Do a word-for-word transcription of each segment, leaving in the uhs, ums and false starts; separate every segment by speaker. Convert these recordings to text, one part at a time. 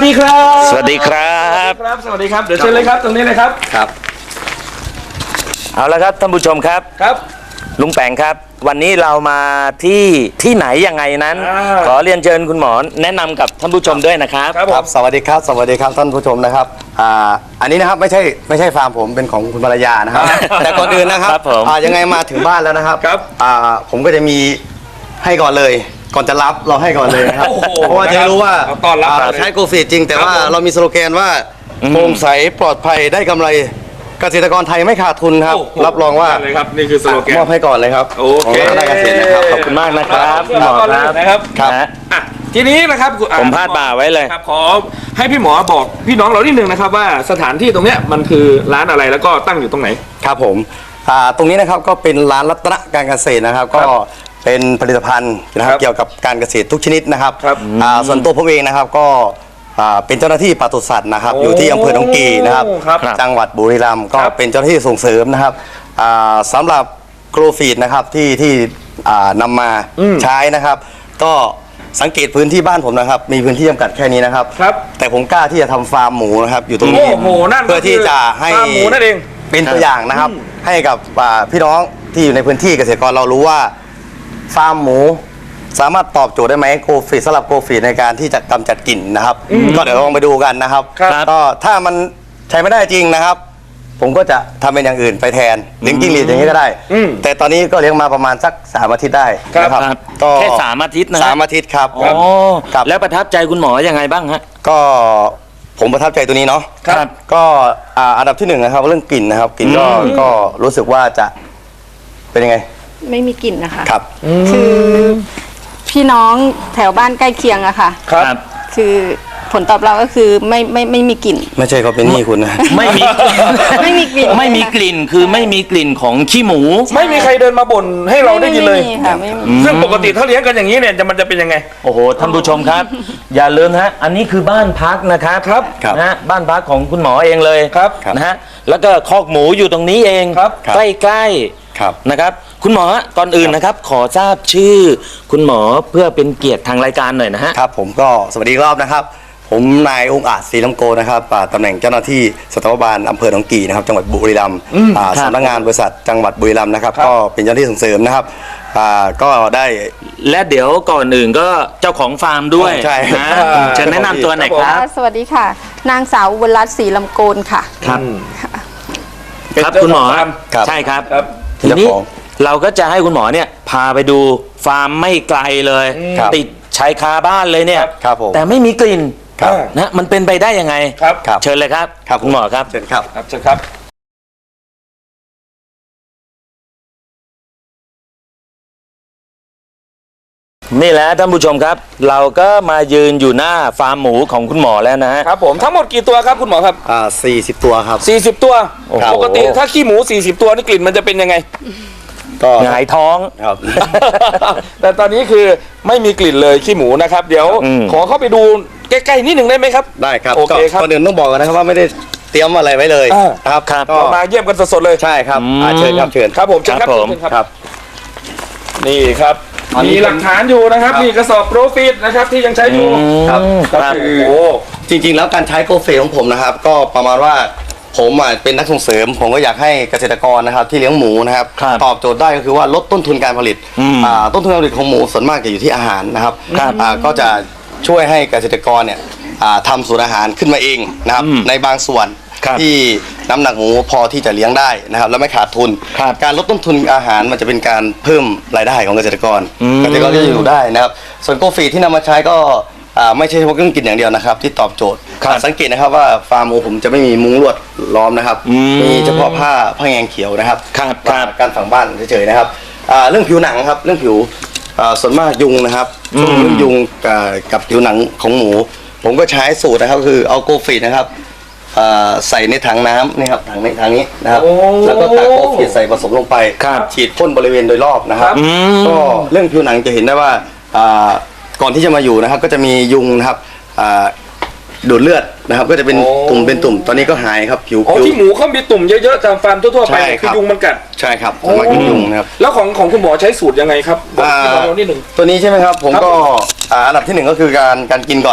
Speaker 1: ดีครับ
Speaker 2: สวัสดีครับ
Speaker 1: ครับสวัสดีครับเดี๋ยวเชิญเลยครับตรงนี้เลยครับ
Speaker 2: ครับเอาละครับท่านผู้ชมครับ
Speaker 1: ครับ
Speaker 2: ลุงแปงครับวันนี้เรามาที่ที่ไหนยังไงนั้นขอเรียนเชิญคุณหมอแนะนำกับท่านผู้ชมด้วยนะครับ
Speaker 3: ครับสวัสดีครับสวัสดีครับท่านผู้ชมนะครับอ่าอันนี้นะครับไม่ใช่ไม่ใช่ฟาร์มผมเป็นของคุณภรรยานะครับแต่ก่อนอื่นนะครับอ่ายังไงมาถึงบ้านแล้วนะครับอ่าผมก็จะมีให้ก่อนเลยก่อนจะรับเราให้ก่อนเลยนะครับเพราะว่าจะรู้ว่าใช้โกฟีดจริงแต่ว่าเรามีสโลแกนว่าโปร่งใสปลอดภัยได้กำไรเกษตรกรไทยไม่ขาดทุนครับรับรองว่า
Speaker 1: เลยครับนี่คือสโลแกน
Speaker 3: มอบให้ก่อนเลยครับ
Speaker 1: โอเค
Speaker 3: ได้เกษตรนะครับ
Speaker 2: ขอบคุณมากนะครับพี่หมอครับ
Speaker 1: นะครับ
Speaker 3: ครับ
Speaker 1: ทีนี้นะครับ
Speaker 2: ผมพาดบ่าไว้เลย
Speaker 1: ครับขอให้พี่หมอบอกพี่น้องเรานิดนึงนะครับว่าสถานที่ตรงเนี้ยมันคือร้านอะไรแล้วก็ตั้งอยู่ตรงไหน
Speaker 3: ครับผมตรงนี้นะครับก็เป็นร้านรัตนการเกษตรนะครับก็เป็นผลิตภัณฑ์นะครับเกี่ยวกับการเกษตรทุกชนิดนะครับส่วนตัวผมเองนะครับก็เป็นเจ้าหน้าที่ปศุสัตว์นะครับอยู่ที่อำเภอหนองกีนะครับจังหวัดบุรีรัมย์ก็เป็นเจ้าหน้าที่ส่งเสริมนะครับสำหรับโกลฟีดนะครับที่ที่นำมาใช้นะครับก็สังเกตพื้นที่บ้านผมนะครับมีพื้นที่จำกัดแค่นี้นะครับแต่ผมกล้าที่จะทำฟาร์มหมูนะครับอยู่ตรงนี้เพื่อที่จะให้
Speaker 1: หมูนั่นเอง
Speaker 3: เป็นตัวอย่างนะครับให้กับพี่น้องที่อยู่ในพื้นที่เกษตรกรเรารู้ว่าฟาร์มหมูสามารถตอบโจทย์ได้ไหมโกฟีดสำหรับโกฟีดในการที่จะกำจัดกลิ่นนะครับก็เดี๋ยวลองไปดูกันนะครับก็ถ้ามันใช้ไม่ได้จริงนะครับผมก็จะทำเป็นอย่างอื่นไปแทนเลี้ยงจิ้งหรีดอย่างนี้ก็ได้แต่ตอนนี้ก็เลี้ยงมาประมาณสักสามอาทิตย์ได้นะครับ
Speaker 2: ก็แค่สามอาทิตย์นะ
Speaker 3: สามอาทิตย์ครับ
Speaker 2: อ๋อแล้วประทับใจคุณหมอยังไงบ้างฮะ
Speaker 3: ก็ผมประทับใจตัวนี้เนาะก็อันดับที่หนึ่งนะครับเรื่องกลิ่นนะครับกลิ่นก็ก็รู้สึกว่าจะเป็นยังไง
Speaker 4: ไม่มีกลิ่นนะคะ
Speaker 3: ครับ
Speaker 4: คือพี่น้องแถวบ้านใกล้เคียงอะค่ะ
Speaker 2: ครับ
Speaker 4: คือผลตอบรับก็คือไม่ไม่ไม่มีกลิ่น
Speaker 3: ไม่ใช่เขาเป็นหนี้คุณนะ
Speaker 2: ไม่มี
Speaker 4: ไม่มีกลิ่น
Speaker 2: ไม่มีกลิ่นคือไม่มีกลิ่นของขี้หมู
Speaker 1: ไม่มีใครเดินมาบ่นให้เราได้ยินเลย
Speaker 4: ค่ะไม่มี
Speaker 1: ซึ่งปกติถ้าเลี้ยงกันอย่างนี้เนี่ยจะมันจะเป็นยังไง
Speaker 2: โอ้โหท่านผู้ชมครับอย่าลืมฮะอันนี้คือบ้านพักนะครับ
Speaker 1: ครับ
Speaker 2: นะฮะบ้านพักของคุณหมอเองเลย
Speaker 1: ครับ
Speaker 2: นะฮะแล้วก็คอกหมูอยู่ตรงนี้เองใกล้ๆนะครับคุณหมอก่อนอื่นนะครับขอทราบชื่อคุณหมอเพื่อเป็นเกียรติทางรายการหน่อยนะฮะ
Speaker 3: ครับผมก็สวัสดีรอบนะครับผมนายองค์อาจศรีลำโกนะครับตำแหน่งเจ้าหน้าที่สัตวบาลอำเภอหนองกี่นะครับจังหวัดบุรีรัมย์สำนักงานบริษัทจังหวัดบุรีรัมย์นะครับก็เป็นเจ้าหน้าที่ส่งเสริมนะครับก็ได้
Speaker 2: และเดี๋ยวก่อนอื่นก็เจ้าของฟาร์มด้วย
Speaker 3: ใช่
Speaker 2: นะจะแนะนำตัวหน่อยครับ
Speaker 4: สวัสดีค่ะนางสาวอุบลรัตน์ศรีลำโกนค่ะ
Speaker 2: ครับครับคุณหมอใช่ครับทีนี้เราก็จะให้คุณหมอเนี่ยพาไปดูฟาร์มไม่ไกลเลยติดชายคาบ้านเลยเนี่ยแต่ไม่มีกลิ่นนะมันเป็นไปได้ยังไง
Speaker 1: ครับ
Speaker 2: เชิญเลยครับคุณหมอครับ
Speaker 3: เชิญครับ
Speaker 1: เชิญครับ
Speaker 2: นี่แหละท่านผู้ชมครับเราก็มายืนอยู่หน้าฟาร์มหมูของคุณหมอแล้วนะฮะ
Speaker 1: ครับผมทั้งหมดกี่ตัวครับคุณหมอครับ
Speaker 3: อ่าสี่สิบตัวครับ
Speaker 1: สี่สิบตัวปกติถ้าขี้หมูสี่สิบตัวนี่กลิ่นมันจะเป็นยังไง
Speaker 3: ก็
Speaker 2: หงายท้อง
Speaker 3: ครับ
Speaker 1: แต่ตอนนี้คือไม่มีกลิ่นเลยขี้หมูนะครับเดี๋ยวขอเข้าไปดูใกล้ๆนิดหนึ่งได้ไหมครับ
Speaker 3: ได้ครับ
Speaker 1: โอเคครับ
Speaker 3: ก่อนอื่นต้องบอกนะครับว่าไม่ได้เตรียมอะไรไว้เลยครับ
Speaker 1: ก็มาเยี่ยมกันสดๆเลย
Speaker 3: ใช่ครับเชิญครับเชิญ
Speaker 1: ครับผมเชิญครับผมครับนี่ครับมีหลักฐานอยู่นะครับมีกระสอบโปรฟีดนะครับที่ยังใช้อยู่
Speaker 3: ครับโอ้จริงๆแล้วการใช้โกลฟีดของผมนะครับก็ประมาณว่าผมเป็นนักส่งเสริมผมก็อยากให้เกษตรกรนะครับที่เลี้ยงหมูนะครับตอบโจทย์ได้ก็คือว่าลดต้นทุนการผลิตต้นทุนการผลิตของหมูส่วนมากจะอยู่ที่อาหารนะครับก็จะช่วยให้เกษตรกรเนี่ยทำสูตรอาหารขึ้นมาเองนะครับในบางส่วนที่น้ำหนักหมูพอที่จะเลี้ยงได้นะครับแล้วไม่ขาดทุนการลดต้นทุนอาหารมันจะเป็นการเพิ่มรายได้ของเกษตรกรเกษตรกรก็จะอยู่ได้นะครับส่วนโกลฟีดที่นำมาใช้ก็ไม่ใช่เฉพาะเครื่องกินอย่างเดียวนะครับที่ตอบโจทย์สังเกตนะครับว่าฟาร์มหมูผมจะไม่มีมุ้งลวดล้อมนะครับมีเฉพาะผ้าผ้าแงงเขียวนะครับการฝังบ้านเฉยๆนะครับเรื่องผิวหนังครับเรื่องผิวส่วนมากยุงนะครับช่วงเรื่องยุงกับผิวหนังของหมูผมก็ใช้สูตรนะครับคือเอาโกลฟีดนะครับใส่ในถังน้ำนี่ครับถังในถังนี้นะครับแล้วก็ตักโกลฟีดใส่ผสมลงไปฉีดพ่นบริเวณโดยรอบนะครับก็เรื่องผิวหนังจะเห็นได้ว่าก่อนที่จะมาอยู่นะครับก็จะมียุงนะครับดูดเลือดนะครับก็จะเป็นตุ่มเป็นตุ่มตอนนี้ก็หายครับผิว
Speaker 1: ที่หมูเขามีตุ่มเยอะๆตามฟาร์มทั่วๆไปคือยุงมันกัด
Speaker 3: ใช่ครับสมัยยุงนะครับ
Speaker 1: แล้วของของคุณหมอใช้สูตรยังไงครับบอกนิดหนึ่ง
Speaker 3: ตัวนี้ใช่ไหมครับผมก็อันดับที่หนึ่งก็คือการการกินก่อน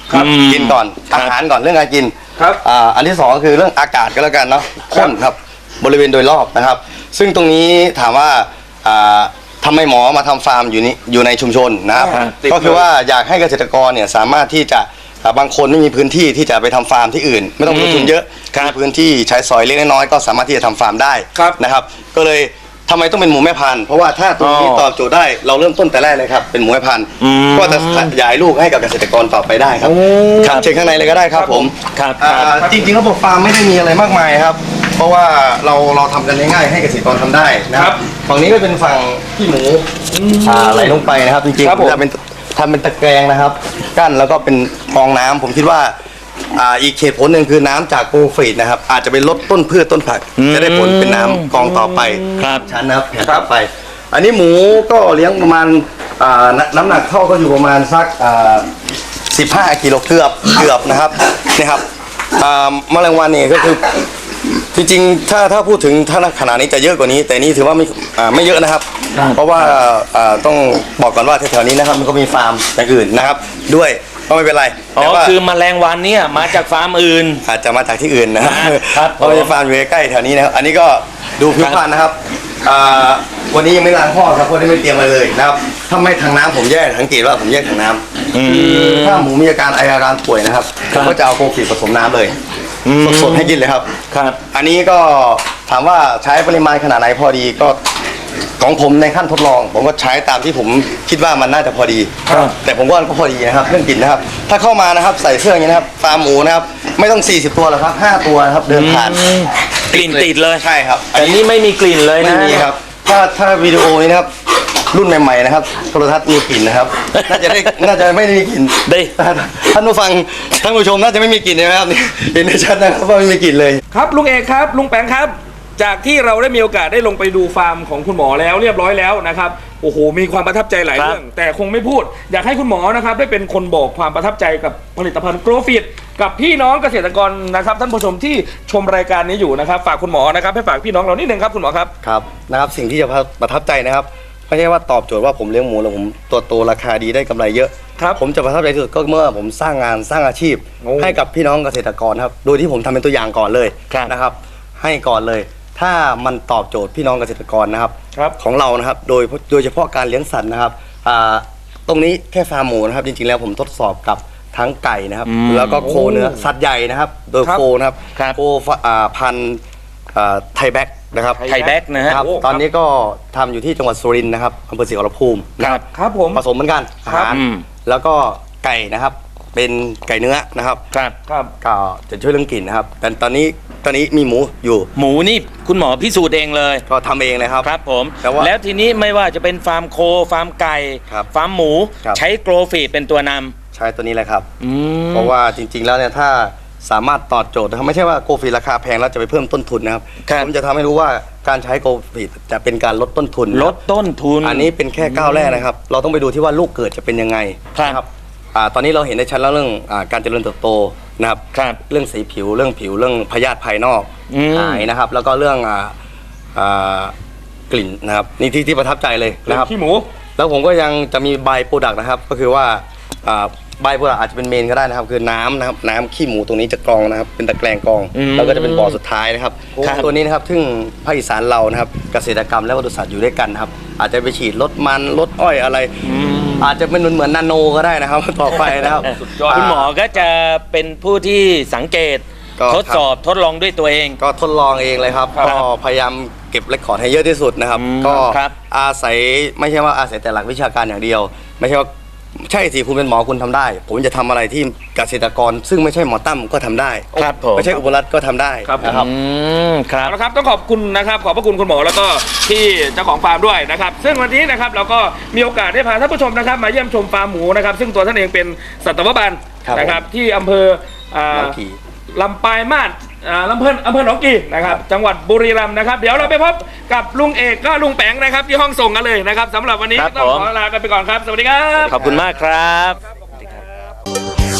Speaker 1: ครับ
Speaker 3: กินก่อนอาหารก่อนเรื่องการกิน
Speaker 1: ครับ
Speaker 3: อ่าอันที่สองก็คือเรื่องอากาศก็แล้วกันเนาะพ่นครับบริเวณโดยรอบนะครับ ซึ่งตรงนี้ถามว่าอ่าทำไมหมอมาทำฟาร์มอยู่นี่อยู่ในชุมชนนะครับ
Speaker 1: อ่าติด
Speaker 3: ก็คือว่าอยากให้เกษตรกรเนี่ยสามารถที่จะอ่าบางคนไม่มีพื้นที่ที่จะไปทำฟาร์มที่อื่น ไม่ต้องลงทุนเยอะ
Speaker 2: ครับ
Speaker 3: มีพื้นที่ใช้สอยเล็กน้อยๆก็สามารถที่จะทำฟาร์มได้
Speaker 1: ครับ
Speaker 3: นะครับ ก็เลยทำไมต้องเป็นหมูแม่พันธุ์เพราะว่าถ้าตรงนี้
Speaker 2: อ๋อ
Speaker 3: ตอบโจทย์ได้เราเริ่มต้นแต่แรกเลยครับเป็นหมูแม่พันธุ์
Speaker 2: อืม
Speaker 3: ก็จะขยายลูกให้กับเกษตรกรต่อไปได้ครับครับเชิญข้างในเลยก็ได้ครับผม
Speaker 2: ครับ
Speaker 3: อ่าจริงๆระบบฟาร์มไม่ได้มีอะไรมากมายครับ เพราะว่าเราเราทำกันง่ายๆให้เกษตรกรทำได้นะค
Speaker 1: ครั
Speaker 3: รับบ ฝั่งนี้ก็เป็นฝั่งที่หมูอ่าไหลลงไปนะครับ จริง
Speaker 1: ครับผม
Speaker 3: ๆจะเป็นทำเป็นตะแกรงนะครับ กั้นแล้วก็เป็นกรองน้ำผมคิดว่าอ่าอีกเหตุผลหนึ่งคือน้ำจากโกลฟีดนะครับอาจจะไปลดต้นพืชต้นผัก จะได้ผลเป็นน้ำกรองต่อไป
Speaker 2: ครับ
Speaker 3: ชั้นนะครับแผนต่อไป อันนี้หมูก็เลี้ยงประมาณอ่าน้ำน้ำหนักเข้าก็อยู่ประมาณสักอ่าสิบห้ากิโลเกือบเกือบนะครับนี่ครับอ่าแมลงวันนี่ก็คือ จริงๆ ถ้าถ้าพูดถึงถ้าขนาดนี้จะเยอะกว่านี้ แต่นี่ถือว่าไม่อ่าไม่เยอะนะครับ เพราะว่าอ่าต้องบอกก่อนว่าแถวๆนี้นะครับมันก็มีฟาร์มอย่างอื่นนะครับ ด้วยก็ไม่เป็นไร
Speaker 2: อ๋อ
Speaker 3: แต่ว่า
Speaker 2: คือแมลงวันเนี่ยมาจากฟาร์มอื่น
Speaker 3: อาจจะมาจากที่อื่นนะครับ
Speaker 2: ครับ
Speaker 3: เพราะมีฟาร์มอยู่ใกล้ๆแถวนี้นะครับ อันนี้ก็ดูผิวพรรณนะครับอ่าวันนี้ยังไม่ล้างท่อครับเพราะได้ไม่เตรียมมาเลยนะครับถ้าไม่ถังน้ำผมแยกสังเกตว่าผมแยกถังน้ำคือถ้าหมูมีอาการไออาการป่วยนะครับผมก็จะเอาโคฟีผสมน้ำเลยสดๆให้กินเลยครับ
Speaker 2: ครับ
Speaker 3: อันนี้ก็ถามว่าใช้ปริมาณขนาดไหนพอดีก็ของผมในขั้นทดลอง ผมก็ใช้ตามที่ผมคิดว่ามันน่าจะพอดี
Speaker 2: ครับ
Speaker 3: แต่ผมว่าก็พอดีนะครับเรื่องกลิ่นนะครับ ถ้าเข้ามานะครับใส่เครื่องอย่างนี้นะครับฟาร์มหมูนะครับไม่ต้องสี่สิบตัวหรอกครับห้าตัวนะครับเดินผ่าน
Speaker 2: กลิ่นติดเลย
Speaker 3: ใช่ครับ
Speaker 2: แต่นี่ไม่มีกลิ่นเลย
Speaker 3: ไม่
Speaker 2: นะ
Speaker 3: มีครับถ้าถ้าวิดีโอนี้นะครับรุ่นใหม่ๆนะครับโทรทัศน์มีกลิ่นนะครับน่าจะได้น่าจะไม่ได้มีกลิ่น
Speaker 2: ได้
Speaker 3: ท่านผู้ฟังท่านผู้ชมน่าจะไม่มีกลิ่นนะครับนี่เห็นได้ชัดนะครับว่าไม่มีกลิ่นเลย
Speaker 1: ครับลุงเอกครับลุงแปงครับ จากที่เราได้มีโอกาสได้ลงไปดูฟาร์มของคุณหมอแล้วเรียบร้อยแล้วนะครับโอ้โหมีความประทับใจหลาย
Speaker 2: ครับ
Speaker 1: เรื่อง แต่คงไม่พูด อยากให้คุณหมอนะครับได้เป็นคนบอกความประทับใจกับผลิตภัณฑ์โกลฟิตกับพี่น้องเกษตรกรนะครับท่านผู้ชมที่ชมรายการนี้อยู่นะครับฝากคุณหมอนะครับให้ฝากพี่น้องเรานิดนึงครับคุณหมอครับ
Speaker 3: ครับนะครับสิ่งที่จะประทับใจนะครับไม่ใช่ว่าตอบโจทย์ว่าผมเลี้ยงหมูแล้วผมตัวโตราคาดีได้กำไรเยอะ
Speaker 1: ครับ
Speaker 3: ผมจะประทับใจที่สุดก็เมื่อผมสร้างงานสร้างอาชีพ
Speaker 1: โอ้
Speaker 3: ให้กับพี่น้องเกษตรกรครับโดยที่ผมทำเป็นตัวอย่างก่อนเลย
Speaker 2: ครับ
Speaker 3: นะครับ ให้ก่อนเลย ถ้ามันตอบโจทย์พี่น้องเกษตรกรนะครับ
Speaker 1: ครับ
Speaker 3: ของเรานะครับโดยโดยเฉพาะการเลี้ยงสัตว์นะครับอ่าตรงนี้แค่ฟาร์มหมูนะครับจริงๆแล้วผมทดสอบกับทั้งไก่นะครับ
Speaker 2: อืม
Speaker 3: แล้วก็โคเนื้อสัตว์ใหญ่นะครับ โดย
Speaker 1: ครับ
Speaker 3: โคนะครับ
Speaker 2: ครับ
Speaker 3: โคอ่าพันธุ์อ่าไทยแบ็กนะครับ
Speaker 2: ไทยแบ็กนะฮะ
Speaker 3: ครับ
Speaker 1: โอ้
Speaker 3: ตอนนี้ก็ทำอยู่ที่จังหวัดสุรินทร์นะครับอำเภอศรีขอรภูมิ
Speaker 2: ครับ
Speaker 1: ครับผม
Speaker 3: ผสมเหมือนกันอา
Speaker 1: ครับ
Speaker 3: หาร
Speaker 2: อืม
Speaker 3: แล้วก็ไก่นะครับ เป็นไก่เนื้อนะครับ
Speaker 2: ครับ
Speaker 1: ครับ
Speaker 3: ก็จะช่วยเรื่องกลิ่นนะครับ แต่ตอนนี้ตอนนี้มีหมูอยู่
Speaker 2: หมูนี่คุณหมอพิสูจน์เองเลย
Speaker 3: ก็ทำเองเลยครับ
Speaker 2: ครับผม
Speaker 3: แต่ว่า
Speaker 2: แล้วทีนี้ไม่ว่าจะเป็นฟาร์มโคฟาร์มไก่
Speaker 3: ครับ
Speaker 2: ฟาร์มหมู
Speaker 3: ครับ
Speaker 2: ใช้โกลฟีดเป็นตัวนำ
Speaker 3: ใช้ตัวนี้แหละครับ
Speaker 2: อืม
Speaker 3: เพราะว่าจริงๆแล้วเนี่ยถ้าสามารถตอบโจทย์นะครับไม่ใช่ว่าโกฟีราคาแพงแล้วจะไปเพิ่มต้นทุนนะครับ
Speaker 2: ครับ
Speaker 3: ผมจะทำให้รู้ว่าการใช้โกฟีจะเป็นการลดต้นทุน
Speaker 2: ลดต้นทุน
Speaker 3: อันนี้เป็นแค่ก้าวแรกนะครับ เราต้องไปดูที่ว่าลูกเกิดจะเป็นยังไง
Speaker 2: ครับ
Speaker 3: นะอ่าตอนนี้เราเห็นได้ชัดแล้วเรื่องอาการเจริญเติบโตนะครับ
Speaker 2: ครับ
Speaker 3: เรื่องสีผิวเรื่องผิวเรื่องพยาธิภายนอก
Speaker 2: อืม
Speaker 3: หายนะครับ แล้วก็เรื่องอ่าอ่ากลิ่นนะครับนี่ที่ที่ประทับใจเลยนะครับ
Speaker 1: ขี้หมู
Speaker 3: แล้วผมก็ยังจะมีใบโปรดักต์นะครับ ก็คือว่าใบโปรดักต์อาจจะเป็นเมนก็ได้นะครับ คือน้ำนะครับน้ำขี้หมูตรงนี้จะกรองนะครับ เป็นตะแกรงกรอง
Speaker 2: อืม
Speaker 3: แล้วก็จะเป็นบ่อสุดท้ายนะครับ
Speaker 2: ครับ
Speaker 3: ตัวนี้นะครับซึ่งภาคอีสานเรานะครับ เกษตรกรรมและปศุสัตว์อยู่ด้วยกันนะครับ อาจจะไปฉีดลดมันลดอ้อยอะไร อาจจะเป็นเหมือนนาโนก็ได้นะครับ ต่อไปนะครับ
Speaker 1: สุดยอด
Speaker 2: คุณหมอก็จะเป็นผู้ที่สังเกต
Speaker 3: ก็
Speaker 2: ทดสอบทดลองด้วยตัวเอง
Speaker 3: ก็ทดลองเองเลยครับ
Speaker 2: ครับ
Speaker 3: ก็พยายามเก็บเรคคอร์ดให้เยอะที่สุดนะครับ
Speaker 2: อืม
Speaker 3: ก็
Speaker 2: ครับ
Speaker 3: อาศัยไม่ใช่ว่าอาศัยแต่หลักวิชาการอย่างเดียว ไม่ใช่ว่าใช่สิคุณเป็นหมอคุณทำได้ ผมจะทำอะไรที่เกษตรกร ซึ่งไม่ใช่หมอตั้มก็ทำได้
Speaker 2: ครับผม
Speaker 3: ไม่ใช่อุบลรัตน์ก็ทำได้
Speaker 1: ครับ
Speaker 3: นะครับ
Speaker 2: อืมครับ
Speaker 1: เอาละครับต้องขอบคุณนะครับขอบพระคุณคุณหมอแล้วก็ที่เจ้าของฟาร์มด้วยนะครับซึ่งวันนี้นะครับเราก็มีโอกาสได้พาท่านผู้ชมนะครับมาเยี่ยมชมฟาร์มหมูนะครับซึ่งตัวท่านเองเป็นสัตวบาล
Speaker 3: ครับ
Speaker 1: นะครับที่อำเภออ่า
Speaker 3: หนองกี่
Speaker 1: ลำปายมาศอ่าลำเพิ่นอำเภอหนองกี่นะครับจังหวัดบุรีรัมย์นะครับเดี๋ยวเราไปพบกับลุงเอกก็ลุงแปงนะครับที่ห้องส่งกันเลยนะครับสำหรับวันนี้
Speaker 2: ครับ
Speaker 1: ต้อง
Speaker 2: ผม
Speaker 1: ขอลากันไปก่อนครับสวัสดีครับ
Speaker 2: ขอบคุณมากครับ